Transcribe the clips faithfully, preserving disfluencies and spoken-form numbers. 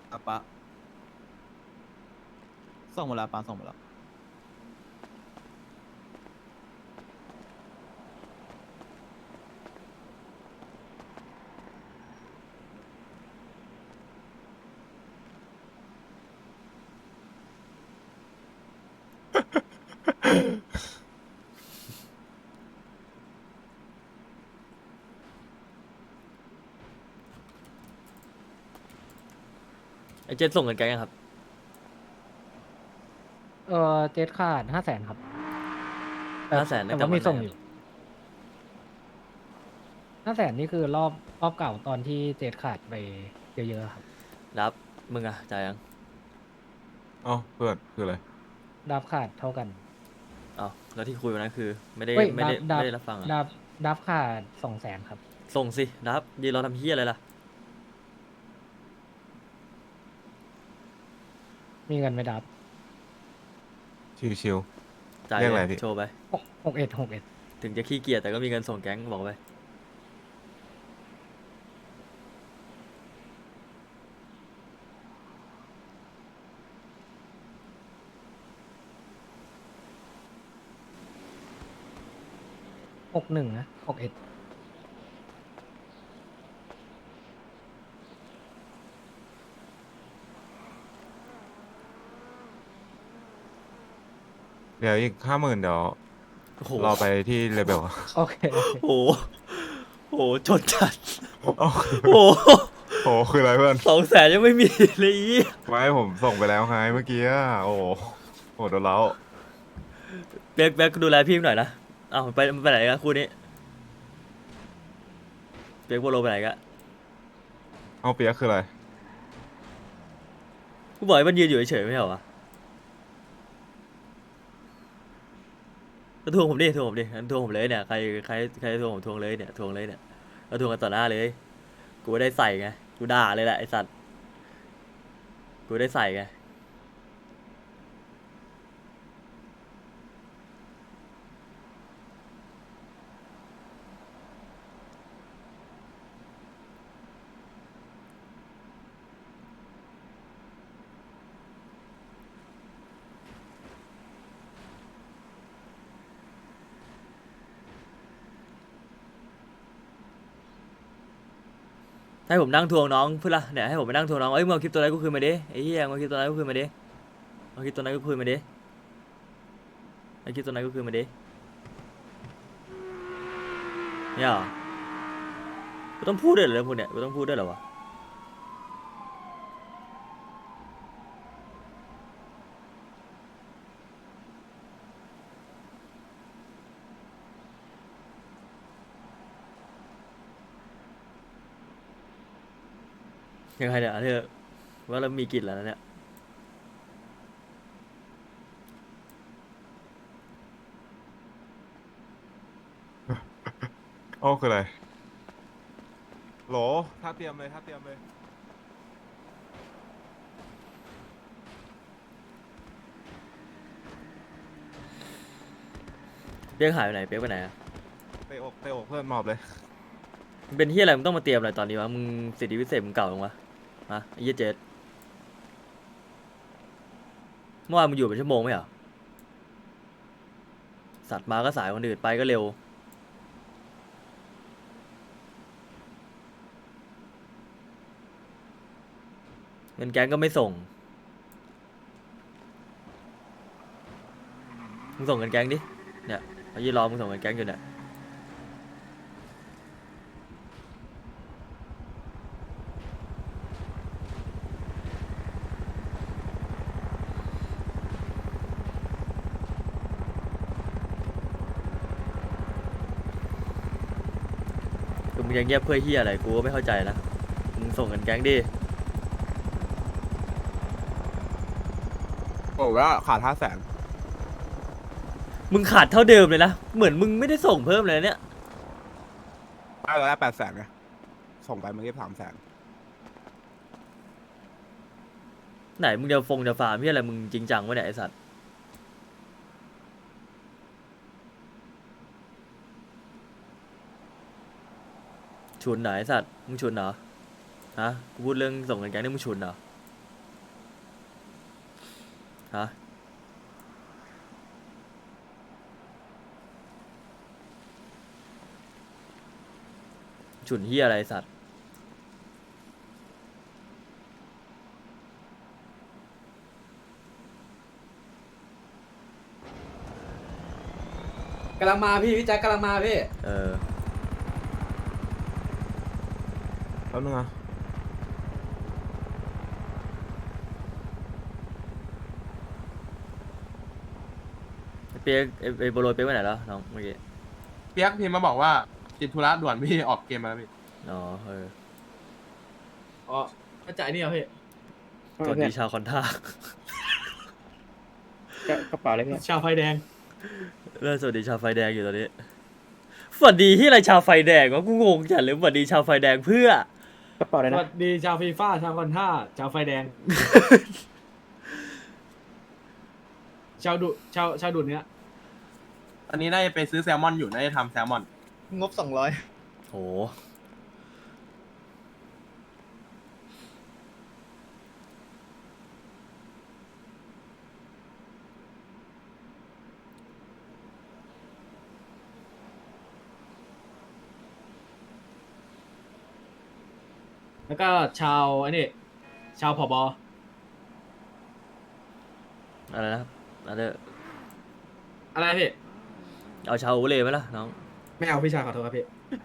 อ่ะปะส่งหมดแล้วปะส่งหมดแล้วไอเจนส่งเงินแกยังครับเออเจ็ดขาดห้าแสนครับแต่ห้าแสนตั้งแต่แต่ว่าวันไหนครับมีส่งอยู่ห้าแสนนี่คือรอบรอบเก่าตอนที่เจ็ดขาดไปเยอะๆครับรับมึงอะจ่ายยังเอ้าเพื่อนคืออะไรดับขาดเท่ากันอ๋อแล้วที่คุยวันนั้นคือไม่ได้เฮ้ยไม่ได้ไม่ดับดับได้รับฟังอะดับดับขาดสองแสนครับส่งสิรับยืนรอทำเฮียอะไรล่ะมีเงินไหมดับชิวจ่ายๆเรียกอะไรเลยพี่โชว์ไปหกหกเอ็ดหกเอ็ดถึงจะขี้เกียจแต่ก็มีเงินส่งแก๊งบอกไปหกหนึ่งนะหกเอ็ดเดี๋ยวอีกห้าหมื่นเดี๋ยวโอ้โหเราไปที่เลเบลโอเคโอเคโอ้โหโอ้โหจนจัดโอ้โอ้โหโหคืออะไรเพื่อนสองแสนยังไม่มีเลยอีไม่ผมส่งไปแล้วไงเมื่อกี้อะโอ้โหโหโดนแล้วเบกเบกดูแลพี่หน่อยนะเอ้าไปไปไหนกันคู่นี้เบกโบโลไปไหนกันเอาเปียกคืออะไรกูบอกให้มันยืนอยู่เฉยๆไม่ใช่เหรอวะก็ทวงผมดิทวงผมดิงั้นทวงผมเลยเนี่ยใครใครใครทวงผมทวงเลยเนี่ยทวงเลยเนี่ยก็ทวงกันต่อหน้าเลยกูไม่ได้ใส่ไงกูด่าเลยแหละไอสัตว์กูได้ใส่ไง ให้ผมนั่งทวงน้องเพื่อนละเนี่ยให้ผมไปนั่งทวงน้องเอ้ยมึงเอาคลิปตัวนั้นกูคืนมาดิไอ้เหี้ยมึงเอาคลิปตัวนั้นกูคืนมาดิเอาคลิปตัวนั้นกูคืนมาดิเอาคลิปตัวนั้นกูคืนมาดิเนี่ยเหรอกูต้องพูดด้วยเหรอเรื่องพวกเนี้ยกูต้องพูดด้วยเหรอวะยังไงเนี่ยเธอว่าเรามีกลิ่นแล้วนะเนี่ยโอ้คืออะไรโหลถ้าเตรียมเลยถ้าเตรียมเลยเปียกหายไปไหนเปียกไปไหนอะเตะอกเตะอกเพื่อนหมอบเลยมึงเป็นเหี้ยอะไรมึงต้องมาเตรียมอะไรตอนนี้วะมึงสิทธิพิเศษมึงเก่าลงวะฮะไอ้เหี้ยเจดเมื่อวานมึงอยู่เป็นชั่วโมงไหมเหรอสัตว์มาก็สายคนอื่นไปก็เร็วเงินแก๊งก็ไม่ส่งมึงส่งเงินแก๊งดิเนี่ยเขายืนรอมึงส่งเงินแก๊งอยู่เนี่ย คือมึงยังเงียบเพื่อเฮียอะไรกูก็ไม่เข้าใจนะมึงส่งเงินแก๊งดิโอ้ว่าขาดห้าแสนมึงขาดเท่าเดิมเลยนะเหมือนมึงไม่ได้ส่งเพิ่มเลยเนี่ยได้แล้วได้แปดแสนไงส่งไปเมื่อกี้สามแสนไหนมึงจะฟงจะฟาร์มเฮียอะไรมึงจริงจังวะเนี่ยไอสัตว์ฉุนเหรอไอสัตว์มึงฉุนเหรอฮะกูพูดเรื่องส่งเงินแก๊งนี่มึงฉุนเหรอฮะฉุนเฮียอะไรไอ้สัตว์กำลังมาพี่พี่แจ็คกำลังมาพี่เออแป๊บนึงนะไอ้เปียกไอ้ไอ้โบโลเปียกไปไหนแล้วน้องเมื่อกี้เปียกพิมพ์มาบอกว่าติดธุระด่วนพี่ออกเกมมาแล้วพี่อ๋อเอออ๋อมาจ่ายนี่เหรอพี่สวัสดีชาวคอนท่ากระเป๋าอะไรเนี่ยชาวไฟแดงเริ่มสวัสดีชาวไฟแดงอยู่ตอนนี้สวัสดีที่อะไรชาวไฟแดงวะกูงงจัดเลยสวัสดีชาวไฟแดงเพื่อกระเป๋าอะไรสนะวัสดีชาวฟีฟ่าชาวคอนท่าชาวไฟแดง ชาวดุชาวชาวดุเนี้ยตอนนี้น่าจะไปซื้อแซลมอนอยู่น่าจะทำแซลมอนงบสองร้อยโหแล้วก็ชาวอันนี้ชาวผบอะไรนะอะไรอะไรพี่เอาชาวโอเล่ไหมล่ะน้องไม่เอาพี่ชายขอโทษครับพี่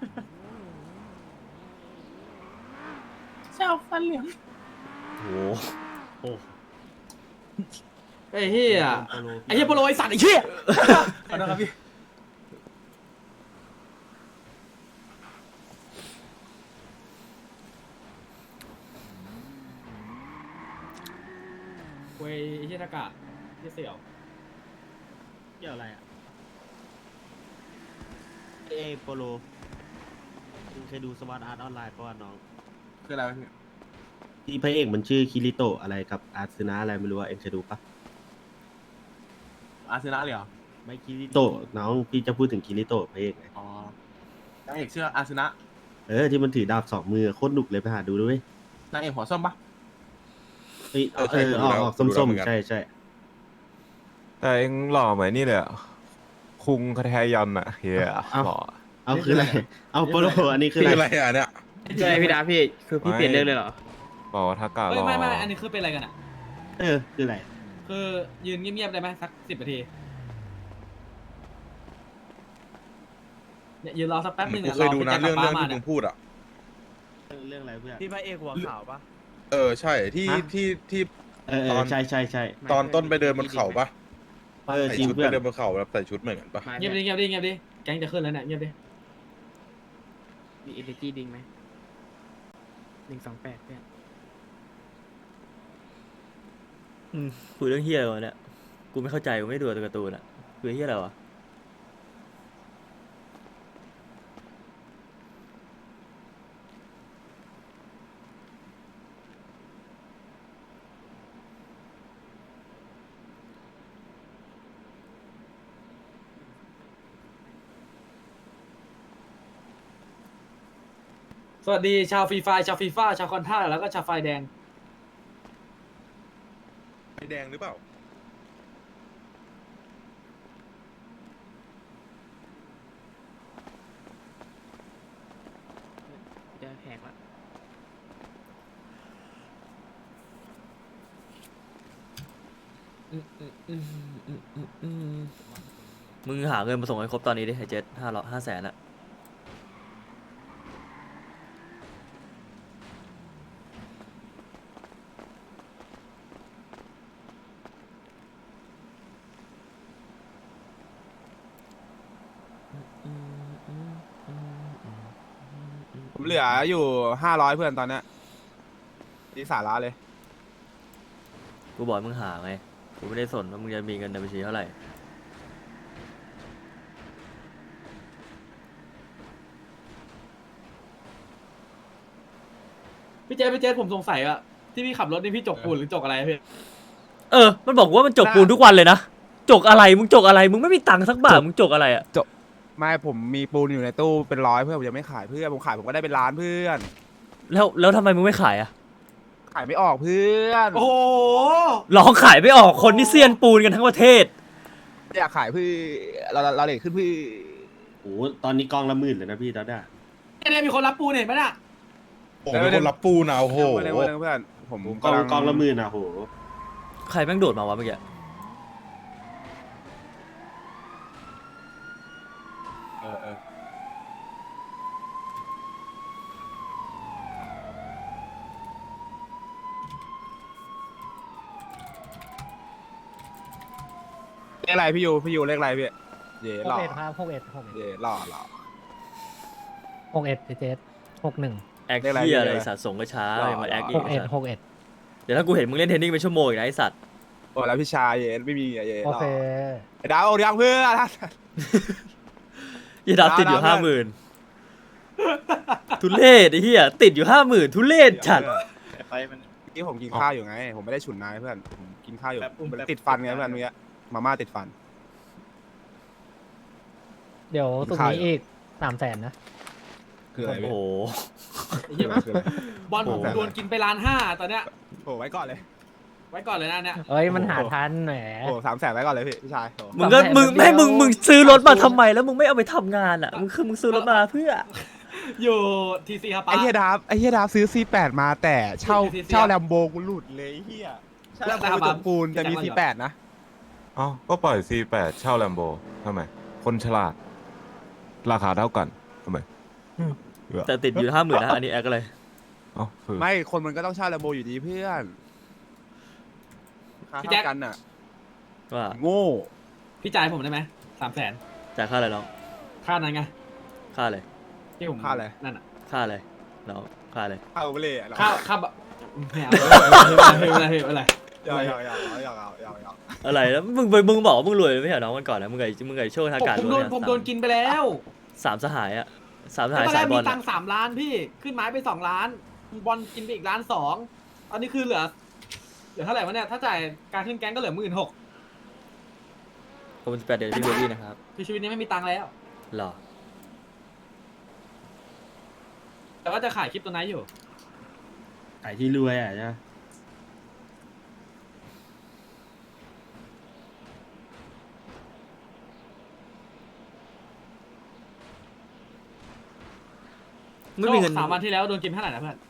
ชาวฟันเหลืองโหไอ้เหี้ยไอ้เหี้ยโปโลไอ้สัตว์ไอ้เหี้ยขอโทษครับพี่เว้ยไอ้เหี้ยทากะไอ้เหี้ยเสี่ยวเกี่ยวอะไรอ่ะเอโปโลคุณเคยดูสวัสดอาร์ตออนไลน์ป่ะน้องคืออะไรวะพี่ที่พระเอกมันชื่อคิริโตะอะไรกับอาร์ซึนะอะไรไม่รู้ว่าเอ็งเคยดูปะอาร์เซนอลเลยเหรอไม่คิริโตะน้องพี่จะพูดถึงคิริโตะพระเอกไงอ๋อนักเอกชื่ออาร์เซนอลเออที่มันถือดาบสองมือโคตรหนุกเลยไปหาดูด้วยนางเอกหัวส้มปะเอ้ยเออเอใช่อดูออกแล้วออกดูแล้วส้มเหมือนกันๆใช่ใช่แต่เองหล่อเหมือนนี่เลยอะคุงคาแทยอนอะเฮียหล่อเอาคืออะไรเอาโปโลอันนี้คือคืออะอะไร ไรอ่ะเนี่ยใช่พี่ดาพี่คือพี่เปลี่ยนเรื่องเลยเหรอบอกว่าทากาหเฮ้ยล่อไม่ไม่อันนี้คือเป็นอะไรกันอ่ะเออคืออะไรคือยืนเงียบๆได้ไหมสักสิบนาทีเนี่ยยืนรอสักแป๊บนึงกูอ่ะเคยดูนะพี่เรื่องแจ็เรื่องคกลับบ้านที่มามึเนี่ยงพูดอ่ะเรื่องอะไรเพื่อนพี่พระเอกหัวขาวปะเออใช่ที่ฮะที่ที่เออเอตออนใช่ใช่ใช่ตอนต้นไปเดินบนเขาปะเออใส่จริงชุดเพื่ไปอนเดินบนเขาแบบใส่ชุดเหมือนกันปะเงียบดิเงียบดิเงียบดิแก๊งจะขึ้นแล้วเนี่ยเงียบดิมีเอเนจีดิงไหมหนึ่งสองแปดเนี่ยอืมคุยเรื่องเฮียอะไรวะเนี่ยกูไม่เข้าใจกูไม่ได้ดูตัวการ์ตูนอะคือเฮียอะไรวะสวัสดีชาวฟรีไฟร์ชาวฟีฟ่าชาวคอนท่าแล้วก็ชาวไฟแดงไฟแดงหรือเปล่าจะแหกละมึงหาเงินมาส่งให้ครบตอนนี้ดิไอ้เจ็ดห้าร้อยห้าแสนอะผมเหลืออยู่ห้าร้อยเพื่อนตอนเนี้ยนี่สาระเลยกูบอกให้มึงหาไงกูไม่ได้สนว่ามึงจะมีเงินในบัญชีเท่าไหร่พี่เจสพี่เจสผมสงสัยอะที่พี่ขับรถนี่พี่จกปูนหรือจกอะไรพี่เออ มันบอกว่ามันจกปูนทุกวันเลยนะ จกอะไร มึงจกอะไร มึงไม่มีตังค์สักบาท มึงจกอะไรอะไม่ผมมีปูนอยู่ในตู้เป็นร้อยเพื่อนผมยังไม่ขายเพื่อนผมขายผมก็ได้เป็นล้านเพื่อนแล้วแล้วทำไมมึงไม่ขายอะขายไม่ออกเพื่อนโอ้โหร้องขายไม่ออกคนที่เซียนปูนกันทั้งประเทศอยากขายเพื่อเราเราเลทขึ้นเพื่อโอ้โหตอนนี้กองละหมื่นเลยนะพี่ตอนนี้เนี่ยมีคนรับปูนเห็นไหมน่ะโอ้โหเป็นคนรับปูนะโอ้โหเพื่อนเพื่อนผมกองกำลังกองละหมื่นอ่ะโหใครแม่งโดดมาวะเมื่อกี้เออเออเลขอะไรพี่ยูพี่ยูเลขอะไรพี่เย่หหล่กอเอ็ดครับหกเอ็ดหกเอ็ดเย่หล่อหล่อหกเอ็ดเจสหกหนึ่งแอคเรียกอะไรเฮียอะไรเรียกอะไรสัตว์ส่งก็ช้าหล่อเลยมาแอคอีหกกเอ็ดไอ้สัตว์หกเอ็ดเดี๋ยวถ้ากูเห็นมึงเล่นเทนนิสเป็นชั่วโมงอีกนะไอ้สัตว์โอ้แล้วพี่ชายเย่ไม่มีเย่หโอล่อเคไอ้ดาวเอายังเพื่อนยี่ดับติดอยู่ดาห้าว หมื่นทุเรศไอ้เหี้ยติดอยู่ห้าหมื่นทุเรศจัดไปมันเมื่อกี้ผมกินข้าวอยู่ไง ผมไม่ได้ฉุนนายเพื่อนผมกินข้าวอยู่ติดฟันไงเพื่อนเมื่อกี้มาม่าติดฟันเดี๋ยวสุกร์ขายนี้อีกสามแสนนะคืออะไรโอ้พี่โหไอ้เหี้ยคืออะไรบอลผมโอ้โหโดนกินไปล้านห้าตอนเนี้ยโอ้ไว้ก่อนเลยไว้ก่อนเลยนะเนี่ยเอ้ยมันหาทันแหมโอ้สามแสนไว้ก่อนเลยพี่พี่ชายโอ้มึงก็สามแสนมึงเดียวไม่มึงมึงซื้อรถมาทำไมแล้วมึงไม่เอาไปทำงานอ่ะมึงคือมึงซื้อรถมาเพื่ออยู่ทีซีครับป้าไอ้เฮียดาบไอ้เฮียดาบซื้อ ซี แปด มาแต่เช่าซีเช่าแลมโบกูหลุดเลยไอ้เฮียเช่าแลมโบไปตกปูนแต่มี ซี แปด นะเอ้าก็ปล่อย ซี แปด เช่าแลมโบทำไม คนฉลาด ราคาเท่ากันทำไมแต่ติดอยู่ห้าหมื่นนะอันนี้แอคอะไรเอ้าคือไม่คนมันก็ต้องเช่าแลมโบอยู่ดีเพื่อนค่าเท่ากันน่ะว่าโง่พี่จ่ายผมได้ไหมสามแสนจ่ายค่าอะไรน้องค่านั้นไงค่าอะไรที่ผมค่าอะไรนั่นอ่ะค่าอะไรน้องค่าอะไรค่าโอเวอร์เลยอะค่าค่าบะไม่เอาไม่เป็นไรไม่เป็นไรยาวยาวยาวยาวยาวยาวยาวอะไรแล้วมึงมึงบอกว่ามึงรวยไม่ใช่เหรอน้องวันก่อนนะมึงไงมึงไงโชว์ทางการผมโดนผมโดนกินไปแล้วสามสหายอ่ะสามสหายตอนแรสายกบมีอลตังค์สามล้านพี่ขึ้นไม้ไปสองล้านบอลกินไปอีกล้านสองตอนนี้คือเหลือเหลือเท่าไหร่วะเนี่ยถ้าจ่ายการขึ้นแก๊งก็เหลือหมื่นหกขอบคุณสิบแปดเดือนพี่เบบี้นะครับคือชีวิตนี้ไม่มีตังค์แล้วหรอแต่ว่าจะขายคลิปตัวไหนอยู่ขายที่รวยอ่ะใช่ไหมไม่มีเงินสามวันที่แล้วโดนกินเท่าไหร่นะเพื่อน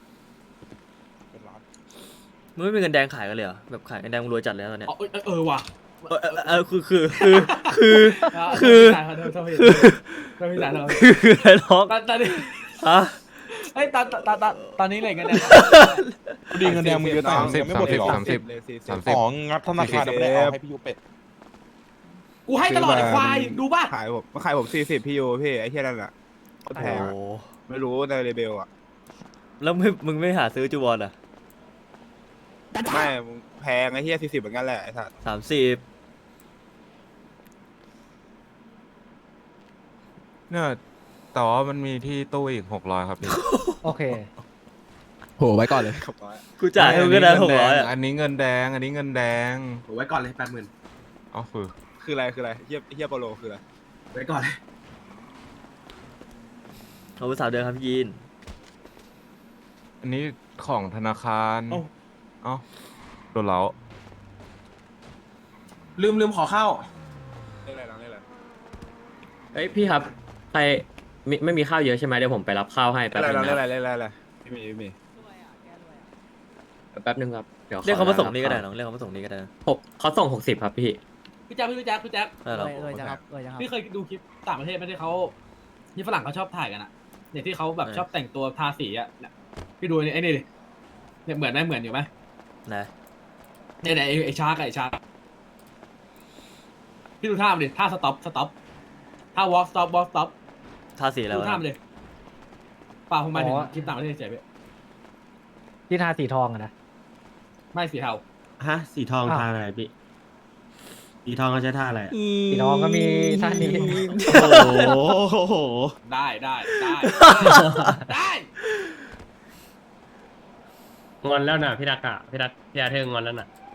มึงไม่มีเงินแดงขายกันเลยเหรอแบบขายเงินแดงมึงรวยจัดแล้วตอนเนี้ยอ๋อเออเออเออว่ะเออเออเออคือคือคือคือาคือโทษพี่จ่ายโทษโทษพี่คือโทษพี่จ่ายโทษคือคืออะไรน้องตอนตอนนี้ฮะเฮ้ยตอนตอนตอนตอนตอนนี้เลยกันเนี่ยดีเงินแดงมึงเยอะตังค์สามสิบยังไม่หมดเลยเหรอสามสิบเลยสี่สิบสามสิบของงัดธนาคารยังไม่ได้เอาให้พี่ยูเป็ดกูให้ตลอดไอ้ควายดูป่ะขายผมมาขายผมสี่สิบพี่ยูพี่ไอ้เฮียนั่นแหละโคตรโอ้แพงโหอะไม่รู้ในเรเบลอะแล้วไม่มึงไม่หาซื้อจูวอนอ่ะไม่มึงแพงไอ้เฮียสี่สิบเหมือนกันแหละไอ้สัตว์สามสิบเนี่ยแต่ว่ามันมีที่ตู้อีกหกร้อยครับพี่โอเคโหไว้ก่อนเลยหกร้อยกูจ่ายให้มึงก็ได้หกร้อยอ่ะอันนี้เงินแดง อันนี้เงินแดงโหไว้ก่อนเลยแปดหมื่นเอ๋อคือคืออะไรคืออะไรเฮียเฮียโปโลคืออะไรไว้ก่อนเลยเอาไปสามเดือนครับพี่ยีนอันนี้ของธนาคารเอ้าเอ้าโดนเล้าลืมลืมขอข้าวเรียกอะไรน้องเรียกอะไรเฮ้ยพี่ครับใครไม่ไม่มีข้าวเยอะใช่ไหมเดี๋ยวผมไปรับข้าวให้เรียแป๊กบอะไรนึน้องงเรียกอะไรนะเรียกอะไรเรียกอะไรไม่มีไม่มีแป๊บนึงครับเดี๋ยวเรียกเขามาส่งนี่ก็ได้ขอน้องเรียกเขามาส่งนี่ก็ได้นะหกเขาส่งหกสิบครับพี่พี่แจ๊คพี่แจ๊คพี่แจ๊คได้หรอเลยจะครับเลยจะครับพี่เคยดูคลิปต่างประเทศไหมที่เขาที่ฝรั่งเขาชอบถ่ายกันอะเนี่ยที่เขาแบบเออชอบแต่งตัวทาสีอะเนี่ยพี่ดูไอ้นี่ดิเนี่ยเหมือนไหมเหมือนอยู่ไหมนะเนี่ยเนี่ยไอ้ไอ้ชาร์กอะไอ้ชาร์กพี่ดูท่ามันดิท่าสต็อปสต็อปท่าวอล์กสต็อปวอล์กสต็อปท่าสีอะไรดูวะท่ามันดิเปล่าผมหมายถึงอ๋อคลิปต่างประเทศเฉยพี่ที่ทาสีทองอะนะไม่สีเทาฮะสีทองอ้าวท่าอะไรพี่สีทองเขาใช้ท่าอะไรอะสีทองก็มีท่านี้โอ้โหได้ได้ได้ได้งอนแล้วนะพี่ดักอะพี่ดักพี่อาเธอร์งอนแล้วน่ะ